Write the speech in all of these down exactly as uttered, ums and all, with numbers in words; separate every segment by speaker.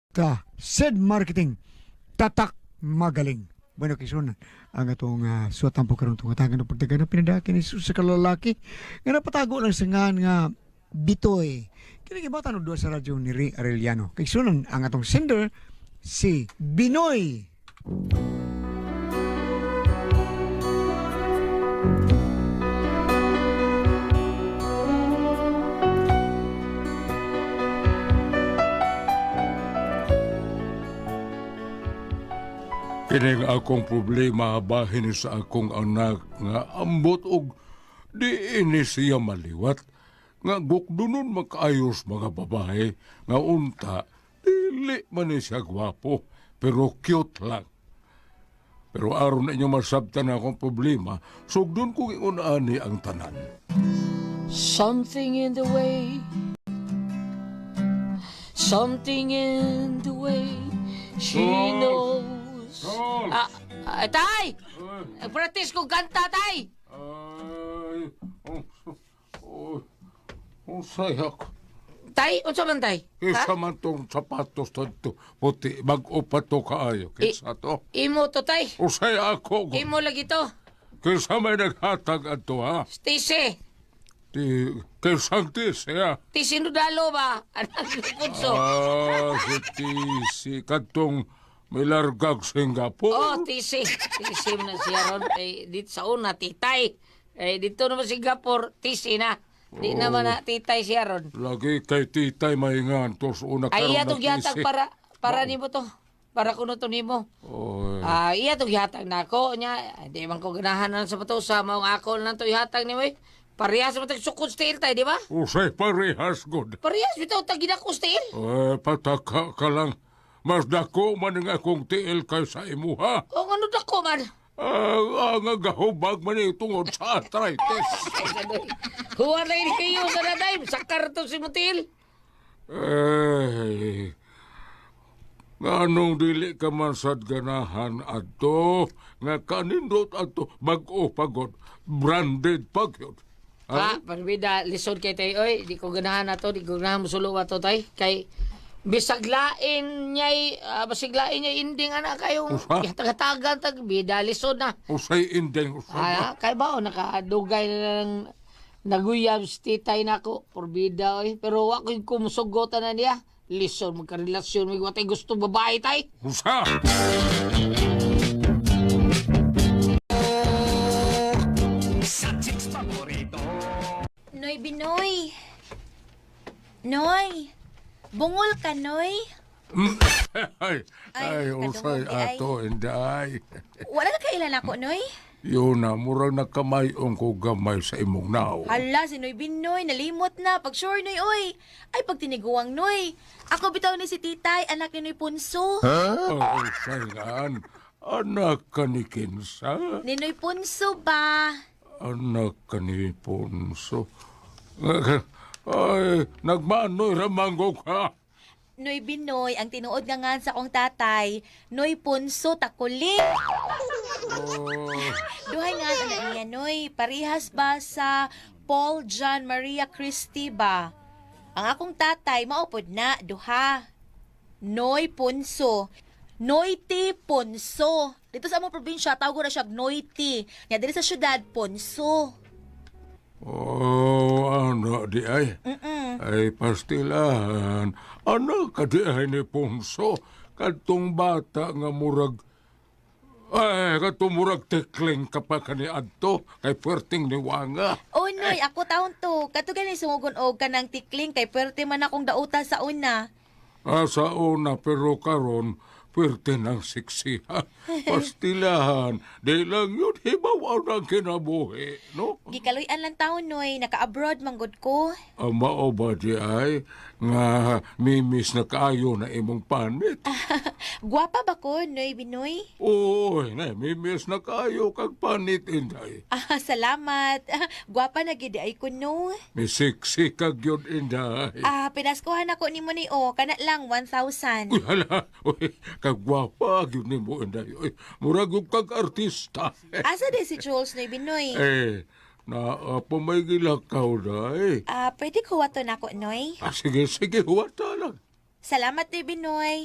Speaker 1: ta said marketing tatak magaling. Bueno, kison ang atong uh, suwatan po karon tong atagan ng pagtagan ng pinadakin ni Jesus sa kalalaki nga napatago lang sa ngan nga bitoy. Kini gibatan og duha sa radyo ni Ray Arellano. Kay sunan ang atong sender si Binoy.
Speaker 2: Kining akong problema bahin sa akong anak nga ambot og di ini siya maliwat nga gukdunon makaayos mga babae nga unta dili man ni siya gwapo pero cute lang. Pero aron na inyo masabtan akong problema, sugdon kong iunani ang tanan.
Speaker 3: Something in the way, something in the way she
Speaker 2: Sol!
Speaker 3: knows.
Speaker 2: Sol!
Speaker 3: Ah, ah, tay! Practice ko kanta, tay!
Speaker 2: Ay, oh, oh, oh, sayak.
Speaker 3: Tay, unsa man tay?
Speaker 2: Kisa man tong sapatos to puti, mag-upat to kaayo. Kisa to.
Speaker 3: Imo to, tay.
Speaker 2: Usay ako.
Speaker 3: Imo lagi to.
Speaker 2: Kisa may naghatag ato ha.
Speaker 3: Tise.
Speaker 2: Ti, kisang tis, ya.
Speaker 3: Tise nudalo ba? Anak ni Punso.
Speaker 2: Ah, si Tisi, katong may largag Singapore.
Speaker 3: Oh, tise. Tise mo na siya ron. Eh, dito sa una, titay. Eh, dito naman Singapore, tise na. Di naman na titay siya ron.
Speaker 2: Lagi kay titay mahingan, tos una karon
Speaker 3: Ay, iya
Speaker 2: na
Speaker 3: to gihatag
Speaker 2: Tisi.
Speaker 3: para, para nimo to. Para kuno to nimo.
Speaker 2: Oy.
Speaker 3: Ah, iya to gihatag na ako nya. Di man ko ganahan na sa pato sa maong ako lang to ihatag ni mo. eh. Parehas mo tag sukod steel tay, di ba?
Speaker 2: Usay parehas good.
Speaker 3: Parehas bitaw tag ginako steel.
Speaker 2: Eh, pataka ka lang. Mas dako man ang akong tiil kay sa imuha.
Speaker 3: O ano dako man.
Speaker 2: Ah, ang agahubag man eh, tungod sa arthritis.
Speaker 3: Huwag na ini kayo sa naday. Sakar to si Mutil.
Speaker 2: Eh, nganong dili ka man sad ganahan ato, nga kanindot ato, bag-o pagod, branded pagyod.
Speaker 3: Ha, parbida, lisod kay tayo. Oy, di ko ganahan na to. Di ko ganahan musulo ato tay. Kay bisaglain niya'y, uh, basiglain niya'y inding anak kayong
Speaker 2: Usa?
Speaker 3: tagatagan tag bida, lisod na.
Speaker 2: Usay indeng usay.
Speaker 3: Ah, kay ba o nakadugay na lang naguyab si titay nako porbida oy pero wa ko kumusugotan na niya lison magkarelasyon may watay gusto babae tay.
Speaker 2: Usa!
Speaker 4: Noy Binoy. Noy. Bungol ka, Noy.
Speaker 2: ay, ay,
Speaker 4: Ay,
Speaker 2: usay
Speaker 4: kadungog di ay.
Speaker 2: ato, inday.
Speaker 4: Wala ka kailan ako, Noy.
Speaker 2: Yun na, murang nakamayong ko gamay sa imong nao.
Speaker 4: Hala, si Noy Binoy, nalimot na. Pag sure, Noy, oy. Ay, pag tiniguang, Noy. Ako bitaw ni si Titay, anak ni Noy Punso.
Speaker 2: Oh, sayan, anak ka ni Kinsa?
Speaker 4: Ni Noy Punso ba?
Speaker 2: Anak ka ni Ponso. Ay, nagmanoy ramanggo ka.
Speaker 4: Noy Binoy, ang tinuod nga nga sa kong tatay, Noy Punso Takuling.
Speaker 2: Oh,
Speaker 4: Duhay nga na niya, Noy. Parihas ba sa Paul John Maria Christie ba? Ang akong tatay, maupod na, duha. Noy Punso. Noyti Ponso. Dito sa among probinsya, tawag ko na siya Noyti. Nga dito sa syudad, Ponso.
Speaker 2: oh, ano di ay?
Speaker 4: Mm-mm.
Speaker 2: Ay, pastilan. Anak ka di ay ni Ponso. Katong bata nga murag... Ay, katong murag tekling kapag kani adto. Kay puwerting ni Wanga.
Speaker 4: Oh, Noy, ako taon to. Katugan ni sungugon og kanang tikling kay pwerte man akong dauta sa una.
Speaker 2: Ah, sa una, pero karon puwerte ng siksiha. Pastilahan. Di lang yun, hibaw ang kinabuhi, no?
Speaker 4: Gikaluyan lang taon, Noy. Naka-abroad manggod ko.
Speaker 2: Ama o ba di ay, nga mimis na kaayo na imong panit.
Speaker 4: Gwapa ba ko, Noy Binoy?
Speaker 2: Uy, na mimis na kaayo kag panit, inday.
Speaker 4: Ah, salamat. Gwapa na gid ay ko, no.
Speaker 2: Misiksi kag yun, inday.
Speaker 4: Ah, pinaskuhan ako ni mo ni O. Kana lang, one thousand.
Speaker 2: Uy, hala, uy, kagwapa, yun ni mo, inday. Uy, murag yung kag artista.
Speaker 4: Asa di si Jules, Noy Binoy?
Speaker 2: eh, na uh, pumay gilakaw na eh.
Speaker 4: Ah, pwede ko wato na ako, Noy?
Speaker 2: Ah, sige, sige, huwata lang.
Speaker 4: Salamat, Day Binoy.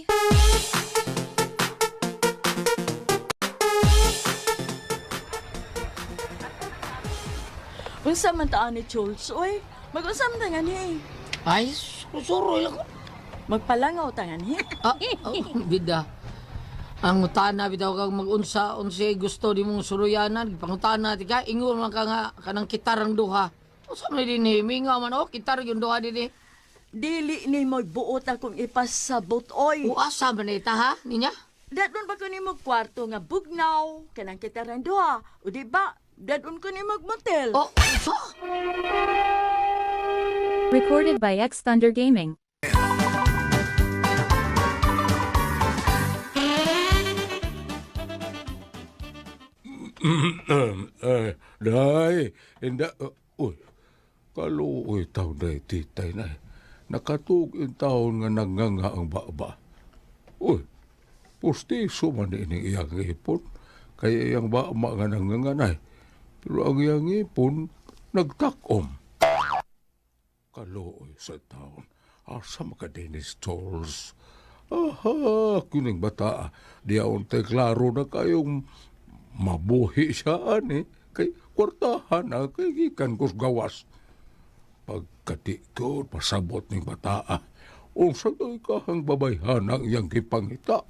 Speaker 5: Unsa man taan ni Jules, oy? Mag-unsa man tangan hi?
Speaker 3: Ay, susuroy lang ko.
Speaker 5: Magpalangaw tangan hi?
Speaker 3: Ah, oh, bida. Ang utana bitaw kang mag-unsa unsa gusto di mong suruyanan, pangutana ti ka ingon man ka nga kanang kitarang duha. Unsa man din ni mingaw man oh, kitar yung duha dinhi.
Speaker 5: Dili ni mo buot akong ipasabot, oy.
Speaker 3: Uasa man ita ha ninya?
Speaker 5: Dadon ba ko ni mo kwarto nga bugnaw, kanang kitaran duha. O di ba, dadon ko ni magmotel.
Speaker 3: Oh, unsa?
Speaker 6: Recorded by X Thunder Gaming.
Speaker 2: eh, day, hindi, uh, uy, kaluoy taon day, titay na. Nakatug in taon nga nanganga ang baba. Uy, pustiso man din ang iyang ipon. Kaya iyang baba nga nanganga na. Pero ang iyang ipon, nagtakom. Kaluoy sa taon. Asa maka Dennis Charles. Aha, kuning bata. Diyaon tay klaro na kayong mabuhi siya, ani. Kay kwartahan na, kay gikan kus gawas. Pagkatikod, pasabot ng bata. Unsa do'y kahang babayhan ang iyang gipangita.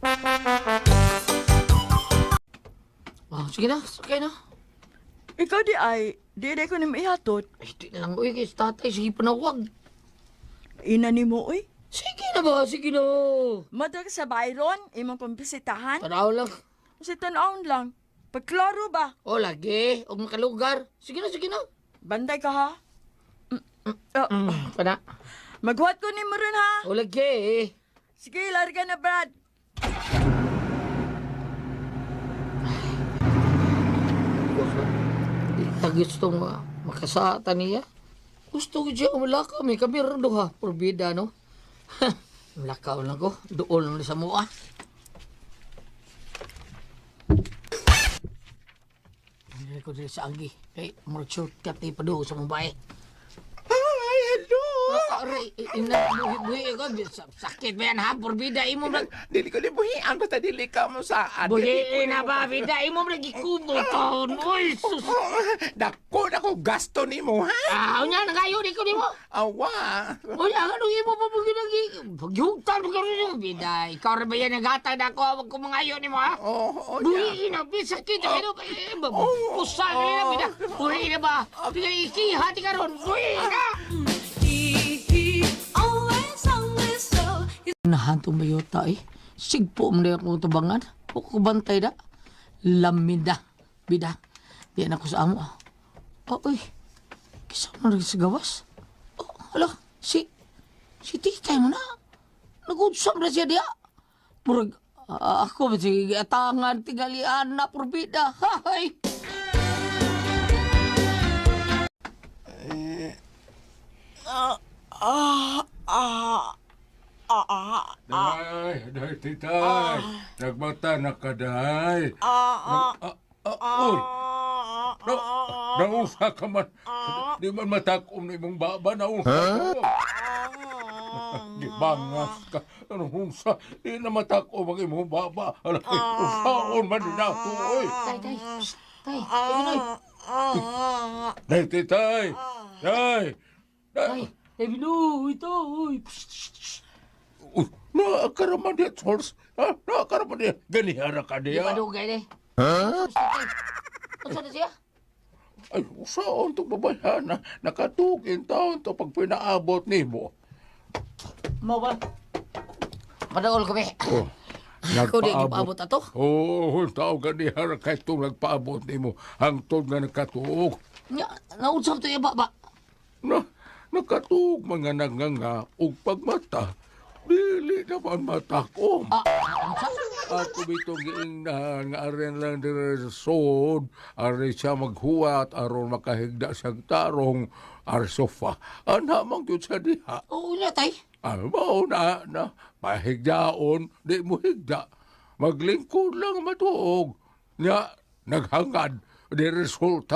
Speaker 3: Oh, sige na, sige na.
Speaker 5: Ikaw di ay, di di ko ni maihatot.
Speaker 3: Ay, di na lang, uy, kay tatay, sige panawag.
Speaker 5: Ina ni mo, oy.
Speaker 3: Sige na ba, sige na.
Speaker 5: Madag sa Byron, imong pambisitahan.
Speaker 3: Tanaw lang.
Speaker 5: Si tanawon lang. Pagklaro ba?
Speaker 3: O, lagi, huwag makalugar. Sige na, sige na.
Speaker 5: Banday ka ha? Oh,
Speaker 3: Mm, pana.
Speaker 5: maghuwat ko ni mo rin ha?
Speaker 3: O, lagi.
Speaker 5: Sige, larga na, Brad.
Speaker 3: Ita gusto nga makasata niya. Gusto ko siya umalakaw. May kami rin doha. Porbida, no? Malakaw lang ko. Doon lang sa mua. Hindi ko din sa agi. Hey, more shortcut ni Pado sa mabay.
Speaker 7: Ay, hello!
Speaker 3: Aray, ina, buhi-buhi ko. Sakit ba yan ha? Porbida, imo lang.
Speaker 7: Dili ko libuhian, basta dili ka mo sa atin.
Speaker 3: Buhi na ba, bida? Imo lang ikubo to. Uy, sus.
Speaker 7: Dako na ko gasto ni mo, ha?
Speaker 3: Ah, unya, nagayo di ko di mo.
Speaker 7: Awa!
Speaker 3: Unya, ano imo pa pag ginagi? Pagyugtan mo karon yung bida. Ikaw rin ba yan nagatag na ako? Huwag ko mangayo ni mo, ha?
Speaker 7: Oo, oh,
Speaker 3: Buhi na, bisakit. Ano ba? Pusal na yan, bida. Buhi na ba? Bigay ikihati ka ron. Buhi na! Nahantong bayota eh. Sigpo mo na akong tabangan. Huwag ko bantay da. Lamida. Bida. Diyan ako sa amo. Oh, uy. Kisama na sa gawas. Oh, hala. Si, si titay mo na. Nag-udsam na siya diya. Murag, uh, ako ba sige atangan tigalian na porbida. Hay!
Speaker 5: Ah, ah, ah, ah, ah,
Speaker 2: Day, day, titay. Nagbata na ka, day.
Speaker 5: ah, ah,
Speaker 2: Ah, ah, uy. Na, naunsa ka man. Di man matakom na imong baba, naunsa ka. Di bangas ka. Ano unsa? Di na matakom ang imong baba. Alay, unsaon man din ako, oy.
Speaker 3: Tay, tay. Psst, tay. Tay, Binoy.
Speaker 2: Day, titay. Day.
Speaker 3: Tay.
Speaker 2: Day.
Speaker 3: Tay, Binoy. Ito, uy. Psst, psst, psst.
Speaker 2: Uy, naakaraman niya, Charles. Ha? Naakaraman niya. Ganihara ka
Speaker 3: Di
Speaker 2: niya.
Speaker 3: ba dugay ni? Psst, tay. Unsa na siya?
Speaker 2: Ay, usaon itong babayan na nakatugin taon to pag pinaabot ni mo.
Speaker 3: Mo ba? Madaol kami.
Speaker 2: Oh,
Speaker 3: Ako di gipaabot ato.
Speaker 2: Oo, oh, tao ganihara kahit itong nagpaabot ni mo. Hangtod nga nakatuog.
Speaker 3: Nya, naudsam to iba ba?
Speaker 2: Na, nakatuog mga nanganga ug pagmata. Dili naman matakom.
Speaker 3: Ah, unsa?
Speaker 2: Ako bitong giingnahan nga aren lang dire sa sod, are siya maghuwat, aron makahigda siyang tarong, are sofa. Ana mang yun sa diha.
Speaker 3: Oo na, tay.
Speaker 2: Ano ba na, na, mahigdaon, di mo higda. Maglingkod lang matuog. Nga, naghangad, di resulta,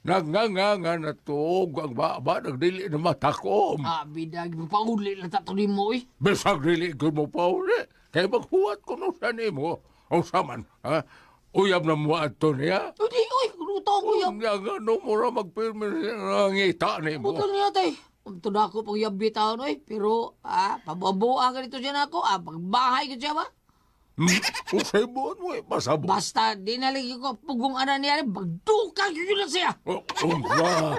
Speaker 2: Nagnganga na to, ang baba, nagdili na matakom.
Speaker 3: Ah, bida, pauli lang tato ni mo eh.
Speaker 2: Bisag dili ko mo pa uli. Kaya maghuwat ko nung sa nimo. O saman, ha? Uyab na mo ato niya.
Speaker 3: Hindi, uy, ruto ko yung...
Speaker 2: Nga nga, no mo ra magpirmi ng ngita nimo.
Speaker 3: Puto niya tay. Ito na ako pag yabi taon oy. Pero, ah, pababuha ka dito siya na ako. Ah, pagbahay ko siya ba?
Speaker 2: Hmm? Usay buwan mo eh, pasabot.
Speaker 3: Basta, di nalagyan ko pugong ana niya. Bagdukan ko yun na siya.
Speaker 2: Oh, oh, ba?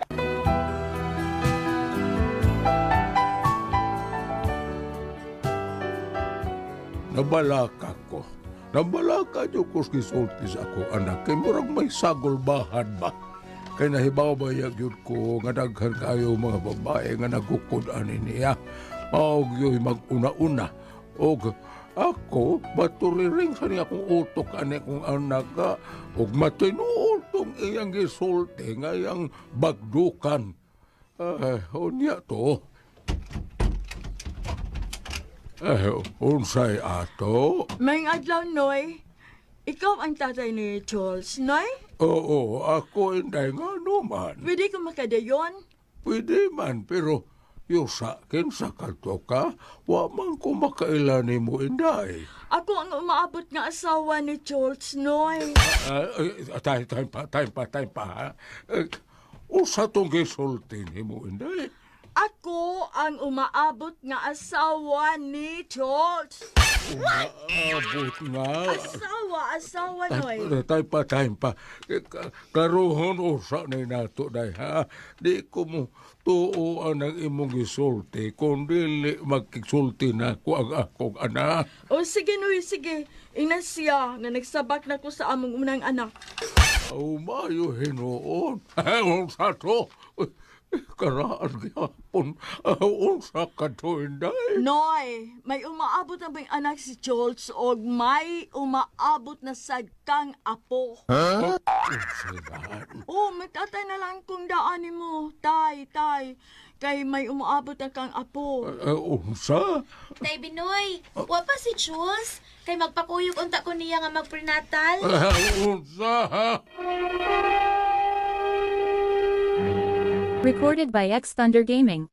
Speaker 2: Nabalaka ko. Nabalaka niyo ko gisulti sa ako, anak. Kaya murag may sagulbahan ba? Kaya nahibaw ba yun ko nga daghan kayo mga babae nga nagkukudan niya. Maog yo'y mag-una-una. Og ako, maturiring sa niya akong utok ani kong anak ka. Og matinuol tong iyang gisulti nga iyang bagdukan. Ay, unya to. Eh, unsay ato?
Speaker 5: May adlaw, Noy. Ikaw ang tatay ni Charles, Noy?
Speaker 2: Oo, ako inday nga naman.
Speaker 5: Pwede ko makadayon?
Speaker 2: Pwede man, pero yung sa akin sa kanto ka, wa man ko makailani mo inday.
Speaker 5: Ako ang umaabot nga asawa ni Charles, Noy.
Speaker 2: Uh, tay, tay pa, tay pa, tay pa, ha? Uh, usa tong gisulti ni mo inday.
Speaker 5: Ako ang umaabot nga asawa ni Charles.
Speaker 2: Umaabot nga.
Speaker 5: Asawa, asawa, Noy.
Speaker 2: Tay pa, tay pa. Karuhon usa na nato, day, ha? Di ko mo tuoan ang imong gisulti, kung dili magkisulti na ko ang akong anak.
Speaker 5: O sige, Noy, sige. Ina siya nga nagsabak na ko sa among unang anak.
Speaker 2: Oh, mayo hinoon. Unsa to? Karaan gyapon. Unsa ka to, inday?
Speaker 5: Noy, may umaabot na bang anak si Charles o may umaabot na sad kang apo.
Speaker 2: Unsa yan?
Speaker 5: Oh, matatay na lang kung daanin mo. Tay, tay. Kay may umaabot na kang apo.
Speaker 2: Uh, unsa?
Speaker 4: Tay Binoy, wa pa si Jules. Kay magpakuyog unta ko niya nga magprenatal.
Speaker 2: Uh, unsa, ha?
Speaker 6: Recorded by X Thunder Gaming.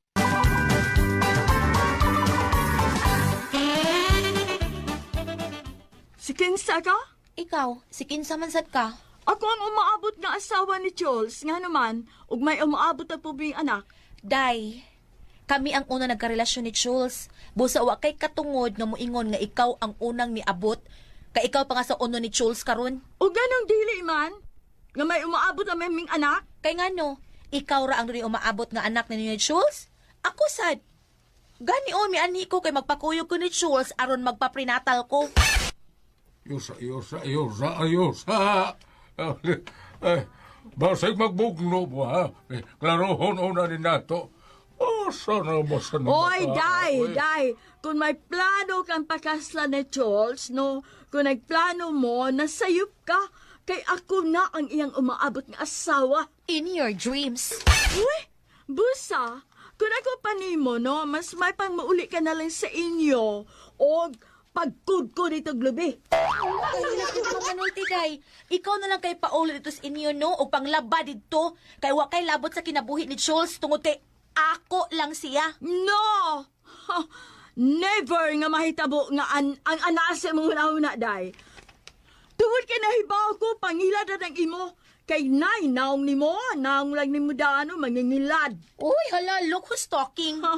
Speaker 5: Si Kinsa ka?
Speaker 4: Ikaw, si kinsa man sad ka?
Speaker 5: Ako ang umaabot nga asawa ni Charles. Nga naman, ug may umaabot na pubing anak.
Speaker 4: Day, kami ang una nagkarelasyon ni Jules. Busa wa kay katungod nga moingon nga ikaw ang unang niabot. Kay ikaw pa nga sa uno ni Jules karon.
Speaker 5: O ganong dili man, nga may umaabot na meming anak.
Speaker 4: Kay ngano, ikaw ra ang dili umaabot nga anak ni ni Jules? Ako sad. Ganion mi ani ko kay magpakuyog ko ni Jules aron magpaprenatal ko.
Speaker 2: Yusa, yusa, yusa, yusa. Eh, basig magbugno mo, ha? Eh, klarohon una ni nato. Oh, sana mo sa
Speaker 5: Oy, day, day. Kung may plano kang pakasla ni Charles, no? Kung nagplano mo, nasayop ka. Kay ako na ang iyang umaabot nga asawa.
Speaker 4: In your dreams.
Speaker 5: Uy, busa. Kung ako pa nimo, no? Mas may pang mauli ka na lang sa inyo. O pagkud ko dito glubi.
Speaker 4: Ay, lakit mo manulti, day. Ikaw na lang kay paulit dito sa inyo, no? O panglaba dito. Kay wa kay labot sa kinabuhi ni Jules tungod kay ako lang siya.
Speaker 5: No! Ha, never nga mahitabo nga an ang anase mong una-una, day. Tungod kay nahibaw ko, pangilad na ng imo. Kay nay, naong ni mo, naong lang ni mo daano, mangingilad.
Speaker 4: Uy, hala, look who's talking.
Speaker 5: Ha?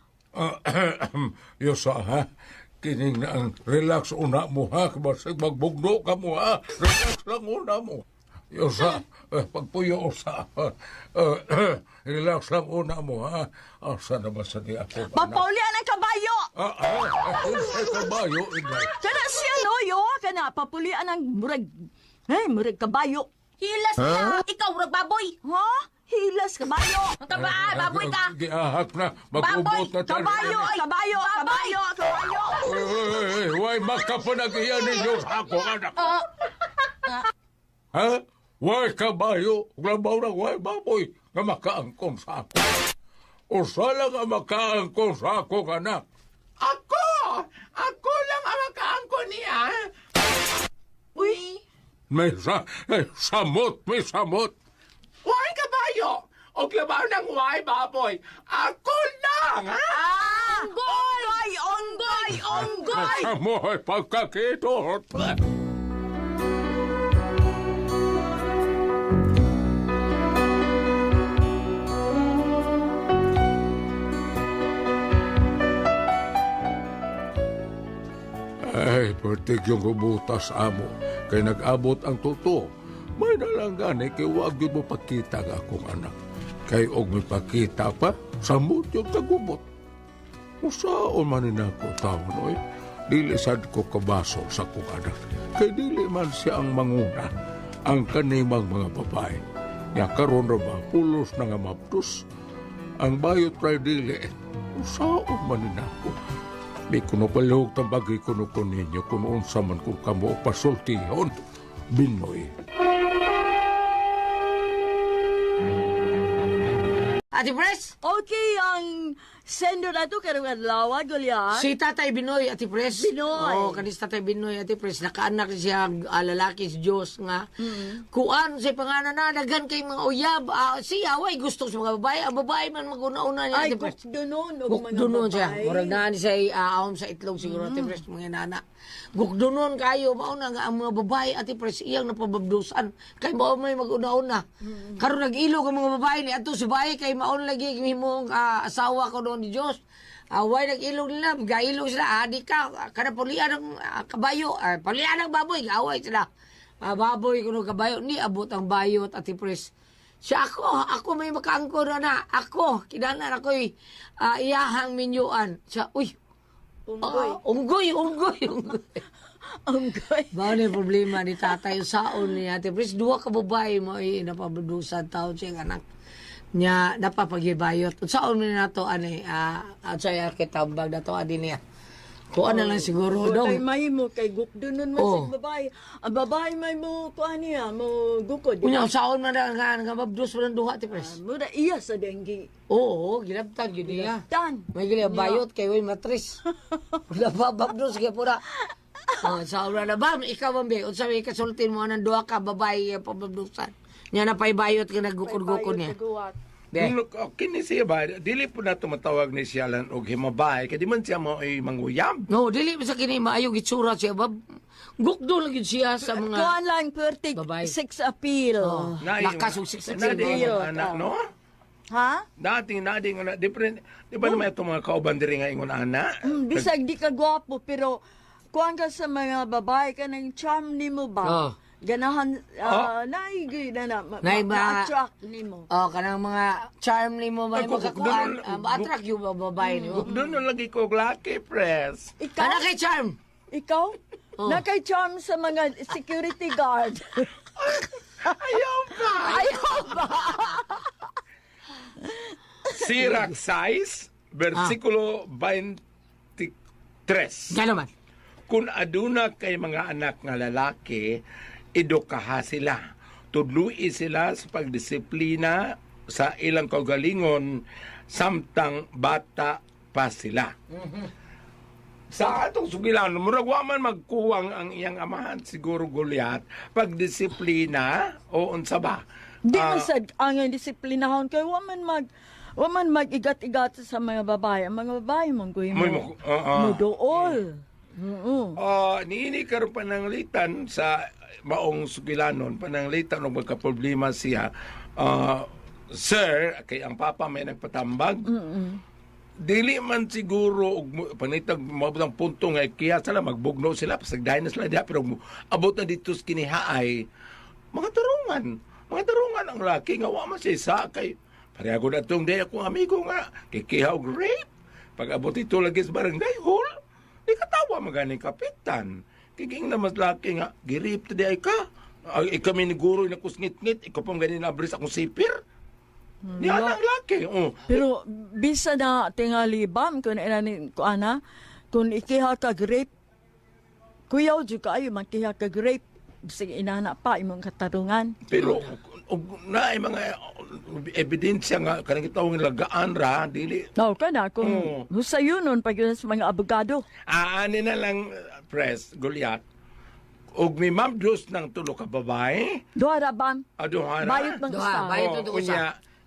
Speaker 2: Yusa, ha? Kining na ang relax una mo, ha? Basig magbugno ka mo, ha? Relax lang una mo. Yusa, eh, pagpuyo sa, uh, relax lang una mo, ha? Asa na ba sa di ako?
Speaker 5: Papaulian ang kabayo!
Speaker 2: Ah, ah, ah, sa kabayo, inday.
Speaker 5: Kana siya, no, yo? Kana, papulian ang murag, eh, murag kabayo.
Speaker 4: Hilas niya. Ikaw, rag baboy.
Speaker 5: Ha? Hilas kabayo!
Speaker 4: Ang taba, baboy ka.
Speaker 2: Giahak na, mag-ubot na tayo.
Speaker 5: Kabayo! Kabayo! Kabayo! Kabayo!
Speaker 2: Uy, uy, uy, uy, makapanag-iyan ninyo sa ako, anak.
Speaker 4: Uh,
Speaker 2: Ha? Way kabayo, glabaw na way baboy, nga makaangkon sa ako. Usa lang ang makaangkon sa ako, anak.
Speaker 7: Ako! Ako lang ang makaangko niya.
Speaker 5: Uy!
Speaker 2: May sa, eh, samot, may samot.
Speaker 7: Why kabayo o labaw ng huway baboy. Ako lang, ha?
Speaker 5: Onggoy! Onggoy! Onggoy!
Speaker 2: Kamoy pagkakitot. Ay, pertig yung gubutas amo. Kay nag-abot ang tuto. May nalanggani kay wag yun mo pakita nga akong anak. Kay og may pakita pa, samot yung kagubot. Usaon man nina ko taon, oy. Dili sad ko kabaso sa kong anak. Kay dili man siya ang manguna, ang kanimang mga babae. Nga karon ra ba, pulos na nga maptus. Ang bayot ray dili, usaon man nina ko. Di kuno palihog tambagay kuno ko ninyo kung unsa man kung kamo pasultihon, Binoy.
Speaker 3: Ate Pres,
Speaker 5: Okay, ang sendo na to karong adlaw, Goliath.
Speaker 3: si Tatay Binoy, Ate Pres.
Speaker 5: Binoy.
Speaker 3: Oo, kanis Tatay Binoy, Ate Pres. Nakaanak siya, uh, lalaki si Diyos nga. Kuan, si panganan na, naghan kay mga uyab. Uh, siya, way gusto sa mga babae. Ang babae man mag-una-una niya,
Speaker 5: Ay,
Speaker 3: Ate Pres.
Speaker 5: gukdunon og mga
Speaker 3: Gukdunon siya.
Speaker 5: babae.
Speaker 3: Murag naan siya uh, ahom sa itlog siguro, Ate Pres, mga nana. Gukdunon kayo, mauna nga ang mga babae, Ate Pres, iyang napababdusan. Kay mao may mag-una-una. Karon nag-ilog ang mga babae ni ato si bae kay maon lagi himong uh, asawa ko doon ni Diyos. Away nag-ilog nila, gailog sila, adi ka, kada pulian ng uh, kabayo, uh, pulian ng baboy, away sila. Uh, baboy kuno kabayo, ni abot ang bayot, Ate Pres. Siya ako, ako may makaangkor na na, ako, kinanan ako'y uh, iyahang minyuan. Siya, uy,
Speaker 5: Unggoy.
Speaker 3: ah, unggoy, unggoy, unggoy.
Speaker 5: Unggoy.
Speaker 3: Ba ni problema ni tatay saon ni Ate Pres, duha ka babae mo ay napabadusan taon siya anak nya napapagibayot. Saon man nato ani ah uh, saya kitambag nato adi niya. Kuan na lang siguro
Speaker 5: Kay
Speaker 3: dong.
Speaker 5: may mo kay gukdunon man
Speaker 3: Oh.
Speaker 5: sa babae. Ang babae may mo kuan niya, mo gukod.
Speaker 3: Unya saon man nga nga mabdus man duha Ate Pres.
Speaker 5: Mura iya sa denggi.
Speaker 3: Oo, ginabtag gyud niya.
Speaker 5: Dan.
Speaker 3: May gila bayot kay way matris. Wala pa babdus kay pura. Oh, sa ura na ba ikaw bambe unsa may kasultin mo nang duha ka babae pababdusan. Nya na pay bayot ka nagukod-gukod niya. Be.
Speaker 7: Kung kini siya ba, dili po na tumatawag ni siya lang og himabay, kaya di man siya mo ay manguyam.
Speaker 3: No, dili sa kini maayo gitsura siya bab. Gukdo lang gyud siya sa mga
Speaker 5: Kuan lang pertig
Speaker 3: Babae.
Speaker 5: sex appeal.
Speaker 3: Oh, lakas og six
Speaker 7: Na di
Speaker 5: appeal.
Speaker 7: yung anak, no?
Speaker 5: Ha?
Speaker 7: Dating, dating, anak, different. Di ba naman itong mga kauban diri nga ingon anak?
Speaker 5: Mm, bisag di ka gwapo pero kuan ka sa mga babae ka ng charm nimo ba?
Speaker 3: Oh.
Speaker 5: Ganahan uh, naigi na na ma-
Speaker 3: Nay ba-
Speaker 5: ma-attract nimo.
Speaker 3: Oh, kanang mga charm nimo ba
Speaker 7: Ay,
Speaker 3: mo
Speaker 7: guk-
Speaker 3: kakuan,
Speaker 7: guk-
Speaker 3: uh, ma-attract yung mga babae nimo.
Speaker 7: Doon na lagi ko laki, press.
Speaker 5: Ikaw?
Speaker 3: Kana kay charm.
Speaker 5: Ikaw?
Speaker 3: Oh.
Speaker 5: Nakay charm sa mga security guard.
Speaker 7: Ayaw ba?
Speaker 5: Ayaw ba?
Speaker 7: Sirach size, versikulo twenty-three.
Speaker 3: Gano man.
Speaker 7: Kung aduna kay mga anak nga lalaki, edukaha sila. Tudlui sila sa pagdisiplina sa ilang kaugalingon samtang bata pa sila. Sa atong sugilan, murag wa man magkuwang ang iyang amahan, siguro Goliath, pagdisiplina o unsa ba?
Speaker 5: Di
Speaker 7: Ah,
Speaker 5: man sad ang disiplinahon kay wa man mag wa man mag-igat-igat sa mga babae. Ang mga babae mong kuy
Speaker 7: May
Speaker 5: mo.
Speaker 7: mo- ah, ah.
Speaker 5: Mo dool. Oo.
Speaker 7: Ah, niini karon pananglitan sa maong sugilanon, pananglitan og magka-problema siya. Ah, sir, kay ang papa may nagpatambag. Dili man siguro og mo- panitag mabutang punto nga kaya sila magbugno sila pasagdayon na sila diha pero mo- abot na dito sa kinihaay mga tarungan. Mga tarungan ang laki nga wa man siya isa kay pareho na tong day akong amigo nga kikihaw og rape. Pag abot ito lagi sa barangay hall, di katawa maganing kapitan. Kiging na mas laki nga girip ta di ay ka. Ay kami ni guro na kusngit-ngit, ikaw pang ganin na abris akong sipir. Di anang laki. Oh.
Speaker 5: Pero bisa na tingali bam kun ina ni ko ana kun ikiha ka grape kuyaw jud kaayo makiha ka grape bisig inana pa imong katarungan.
Speaker 7: Pero og na mga ebidensya nga kanang gitawag lagaan ra dili
Speaker 5: No, kana kung
Speaker 7: Oo.
Speaker 5: husayonon pag yun sa mga abogado.
Speaker 7: aani na lang uh, press Goliath og may mabdos ng tulo ka babae
Speaker 5: Duha ra bam.
Speaker 7: aduhara
Speaker 5: Bayot man
Speaker 3: Duha,
Speaker 5: usa.
Speaker 3: bayot.
Speaker 7: Oh,
Speaker 3: ito usa.
Speaker 7: unya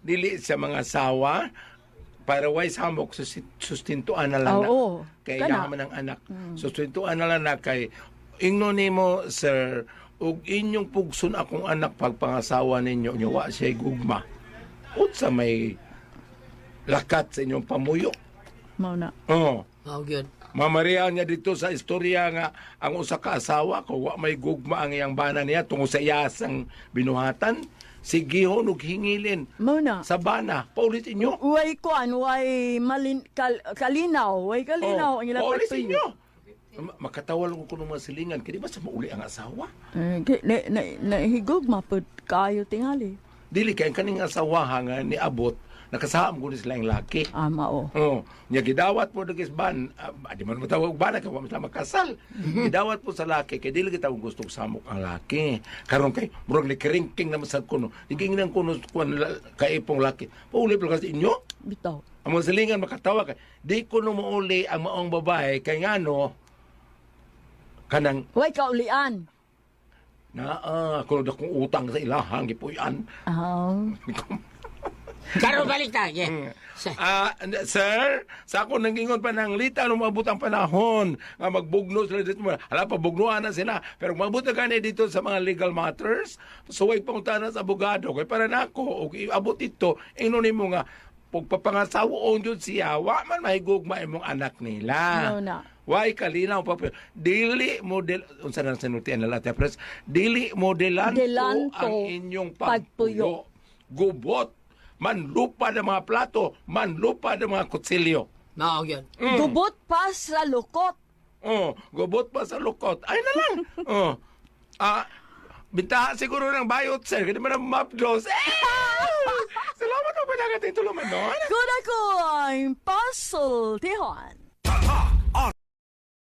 Speaker 7: dili sa mga asawa, para why samok susi- sustintuan na lang na.
Speaker 5: Oo.
Speaker 7: Kay
Speaker 5: Kana.
Speaker 7: yaman ng anak. Sustintuan na lang na kay ingno nimo, sir, ug inyong pugson akong anak pagpangasawa ninyo, nyo wa siya gugma. Utsa may lakat sa inyong pamuyo.
Speaker 5: Mao na.
Speaker 7: Oh.
Speaker 3: Mao gyud.
Speaker 7: Mamarihan niya dito sa istorya nga ang usa ka asawa ko wa may gugma ang iyang bana niya tungod sa iyasang binuhatan. Sigihon ug hingilin
Speaker 5: Mao na.
Speaker 7: sa bana. Paulit inyo.
Speaker 5: Way kuan, way malin, kal, kalinaw, way kalinaw ang ilang
Speaker 7: paulit
Speaker 5: pagtuyo.
Speaker 7: inyo. Ma- Makatawal ko kuno mga silingan. Kaya di ba sa mauli ang asawa?
Speaker 5: Eh, ki- na, na, nahigog mapod kayo tingali.
Speaker 7: Dili kay ang kaning asawa nga ni abot nakasaham ko ni sila ang laki.
Speaker 5: Ah, mao.
Speaker 7: Oh, nya gidawat po dagis ban, uh, di man matawag ban kay wa man sila makasal. Gidawat po sa laki kay dili kita gustong samok ang laki. Karon kay murag ni keringking naman sa kuno. Diging nang kuno kuan kay ipong laki. Pauli pa kasi inyo.
Speaker 5: Bitaw.
Speaker 7: Ang mga silingan makatawa kay di ko no mauli ang maong babae kay ngano kanang
Speaker 5: Way kaulian.
Speaker 7: na uh, kuno dakong utang sa ilahang gipuy-an.
Speaker 5: Ah.
Speaker 3: Karo balik ta. Yeah. Sa-
Speaker 7: Ah, sir, sa ako nangingon pa ng lita nung mabut ang panahon nga magbugno sila dito. Hala pa, bugnuan na sila. Pero mabut na gani dito sa mga legal matters. So, huwag pangutanan sa abogado. Kaya para na ako, okay, abot ito, inunin mo nga, pagpapangasawoon yun siya, wa man mahigugma imong anak nila.
Speaker 5: No na.
Speaker 7: Why kalinaw pa dili model unsa nang sinultian na lahat pres dili modelanto
Speaker 5: Delanto
Speaker 7: ang inyong
Speaker 5: pagpuyo.
Speaker 7: pagpuyo. Gubot manlupa ng mga plato, manlupa ng mga kutsilyo.
Speaker 3: Mao gyud.
Speaker 7: Mm.
Speaker 5: Gubot pa sa lukot.
Speaker 7: Oh, gubot pa sa lukot. Ay na lang. oh. Ah, bintaha siguro ng bayot, sir. Hindi mo na mapdos. Eh! Salamat mo pa na tulungan nun.
Speaker 5: Good ako ang puzzle, Tihon.
Speaker 2: Tatak